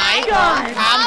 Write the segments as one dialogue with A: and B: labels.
A: ายของคำ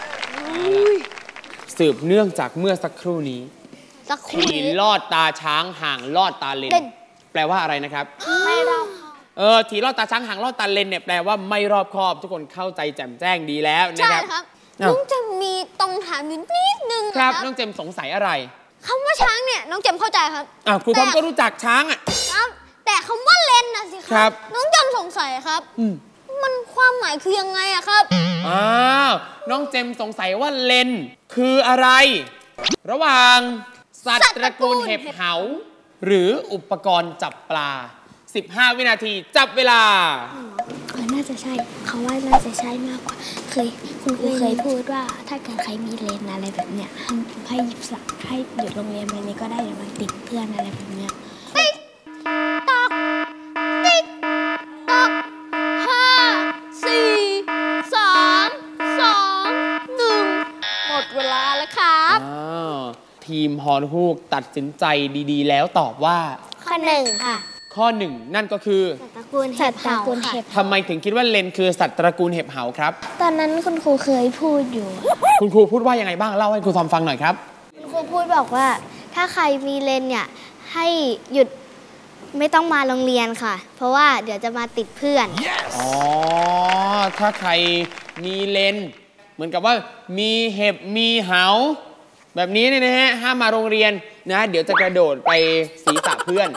A: สืบเนื่องจากเมื่อสักครู่นี้ทีลอดตาช้างห่างลอดตาเลนแปลว่าอะไรนะครับไม่รอบทีลอดตาช้างห่างลอดตาเลนเนี่ยแปลว่าไม่รอบคอบทุกคนเข้าใจแจ่มแจ้งดีแล้วนะครับ
B: น้องจะมีตรงถามนิดนึง
A: ครับน้องเจมสงสัยอะไร
B: คำว่าช้างเนี่ยน้องเจมเข้าใจครับ
A: ครูทอมก็รู้จักช้าง
B: ครับแต่คำว่าเลนน่ะสิครับน้องเจมสงสัยครับมันความหมายคือยังไงอะครับ
A: น้องเจมสงสัยว่าเลนคืออะไรระหว่างสัตว์ตระกูลเห็บเหาหรืออุปกรณ์จับปลา15 วินาทีจับเวลา
C: น่าจะใช่เขาว่าน่าจะใช่มากกว่าคุณครูเคยพูดว่าถ้าเกิดใครมีเลนอะไรแบบเนี้ยให้หยุดโรงเรียนไปนี้ก็ได้เดี๋ยวมันติดเพื่อนอะไรแบบเนี้ย
B: ติ๊กตอกติ๊กตอก5 4 3 2 1หมดเวลาแล้วครับ
A: ทีมฮอนฮูกตัดสินใจดีๆแล้วตอบว่า
B: ข้อ1ค่ะ
A: ข้อ1นั่นก็คือ
B: สัตว์ตระกูลเห็บเหา
A: ทำไมถึงคิดว่าเลนคือสัตว์ตระกูลเห็บเหาครับ
C: ตอนนั้นคุณครูเคยพูดอยู่
A: คุณครูพูดว่ายังไงบ้างเล่าให้ครูทอมฟังหน่อยครับ
C: คุณครูพูดบอกว่าถ้าใครมีเลนเนี่ยให้หยุดไม่ต้องมาโรงเรียนค่ะเพราะว่าเดี๋ยวจะมาติดเพื่อน
A: ถ้าใครมีเลนเหมือนกับว่ามีเห็บมีเหาแบบนี้เนี่ยนะฮะห้ามมาโรงเรียนนะเดี๋ยวจะกระโดดไปศีรษะเพื่อน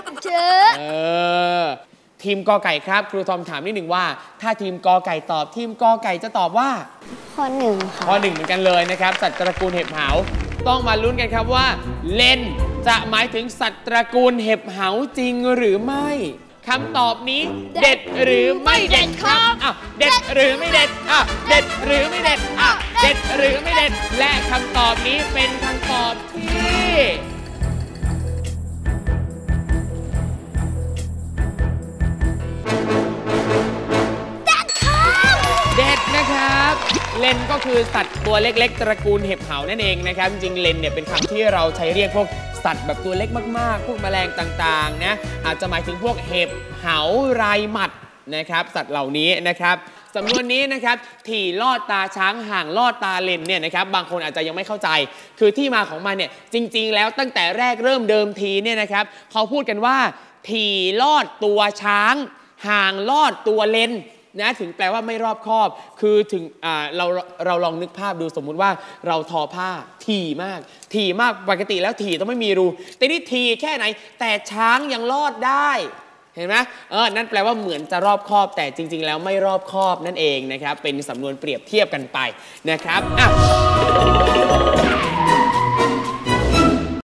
A: ทีมกอไก่ครับครูทอมถามนิดหนึ่งว่าถ้าทีมกอไก่ตอบทีมกอไก่จะตอบว่า
C: ข้อ1ค่ะ
A: ข้อ1เหมือนกันเลยนะครับสัตว์ตระกูลเห็บเหาต้องมาลุ้นกันครับว่าเลนจะหมายถึงสัตว์ตระกูลเห็บเหาจริงหรือไม่คำตอบนี้เด็ดหรือไม่เด็ดครับเด็ดหรือไม่เด็ดเด็ดหรือไม่เด็ดเด็ดหรือไม่เด็ดและคำตอบนี้เป็นคำตอบที่เด็ดนะครับเลนก็คือสัตว์ตัวเล็กๆตระกูลเห็บเหานั่นเองนะครับจริงๆเลนเนี่ยเป็นคำที่เราใช้เรียกพวกสัตว์แบบตัวเล็กมากๆพวกแมลงต่างๆนะอาจจะหมายถึงพวกเห็บเหาไรหมัดนะครับสัตว์เหล่านี้นะครับสำนวนนี้นะครับถี่ลอดตาช้างห่างลอดตาเลนเนี่ยนะครับบางคนอาจจะยังไม่เข้าใจคือที่มาของมันเนี่ยจริงๆแล้วตั้งแต่แรกเริ่มเดิมทีเนี่ยนะครับเขาพูดกันว่าถี่ลอดตัวช้างห่างลอดตัวเลนนะถึงแปลว่าไม่รอบคอบคือถึงเราลองนึกภาพดูสมมุติว่าเราทอผ้าถี่มากปกติแล้วถี่ต้องไม่มีรูแต่นี่ถี่แค่ไหนแต่ช้างยังลอดได้เห็นไหมนั่นแปลว่าเหมือนจะรอบคอบแต่จริงๆแล้วไม่รอบคอบนั่นเองนะครับเป็นสำนวนเปรียบเทียบกันไปนะครับ